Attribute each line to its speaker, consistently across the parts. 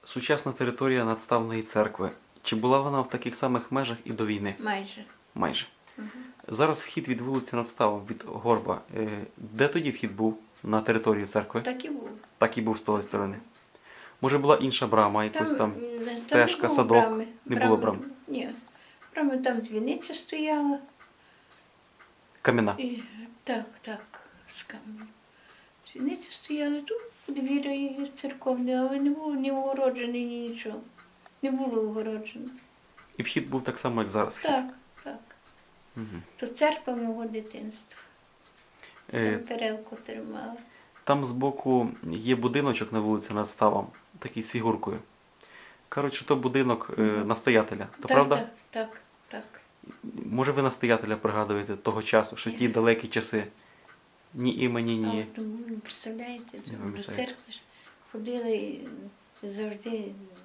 Speaker 1: Сучасна територія надставної церкви. Чи була вона в таких самих межах і до війни?
Speaker 2: Майже.
Speaker 1: Майже.
Speaker 2: Угу.
Speaker 1: Зараз вхід від вулиці Надставом, від Горба. Де тоді вхід був на територію церкви?
Speaker 2: Так і було.
Speaker 1: Так і був з тої сторони. Може була інша брама, якась там
Speaker 2: не
Speaker 1: стежка,
Speaker 2: було
Speaker 1: садок?
Speaker 2: брами.
Speaker 1: Не було брам?
Speaker 2: Ні. Брами там дзвіниця стояла.
Speaker 1: Кам'яна.
Speaker 2: І, так, з каменем. Дзвіниця стояла тут, подвір'я церковне, але не було ні огороджений, ні нічого. Не було огороджено.
Speaker 1: І вхід був так само, як зараз. Вхід.
Speaker 2: Так.
Speaker 1: Угу.
Speaker 2: То церква мого дитинства. Там перевку тримала.
Speaker 1: Там збоку є будиночок на вулиці Надставом, такий з фігуркою. Кажуть, що то будинок настоятеля. То правда?
Speaker 2: Так.
Speaker 1: Може ви настоятеля пригадуєте того часу, що ті далекі часи? Ні імені, ні.
Speaker 2: Представляєте,
Speaker 1: Не
Speaker 2: до
Speaker 1: пам'ятаєте.
Speaker 2: церкви ж ходили і завжди.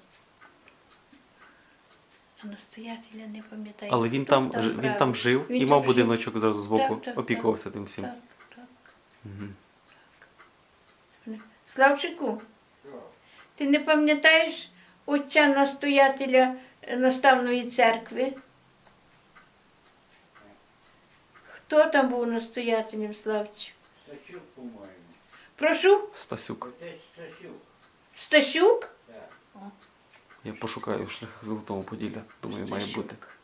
Speaker 2: А настоятеля не пам'ятаю.
Speaker 1: Але він
Speaker 2: хто
Speaker 1: там жив
Speaker 2: Він
Speaker 1: і
Speaker 2: там
Speaker 1: мав
Speaker 2: жив.
Speaker 1: будиночок зразу збоку,
Speaker 2: Так,
Speaker 1: опікувався тим всім.
Speaker 2: Так.
Speaker 1: Мгм.
Speaker 2: Славчику, ти не пам'ятаєш отця настоятеля наставної церкви? Хто там був настоятелем, Славчик?
Speaker 3: Стасюк, по-моєму.
Speaker 2: Прошу?
Speaker 1: Стасюк.
Speaker 3: Отець Стасюк.
Speaker 2: Стасюк?
Speaker 3: Так.
Speaker 1: Я пошукаю в шляхах Золотого Поділля. Думаю, має бути.
Speaker 2: Стасюк.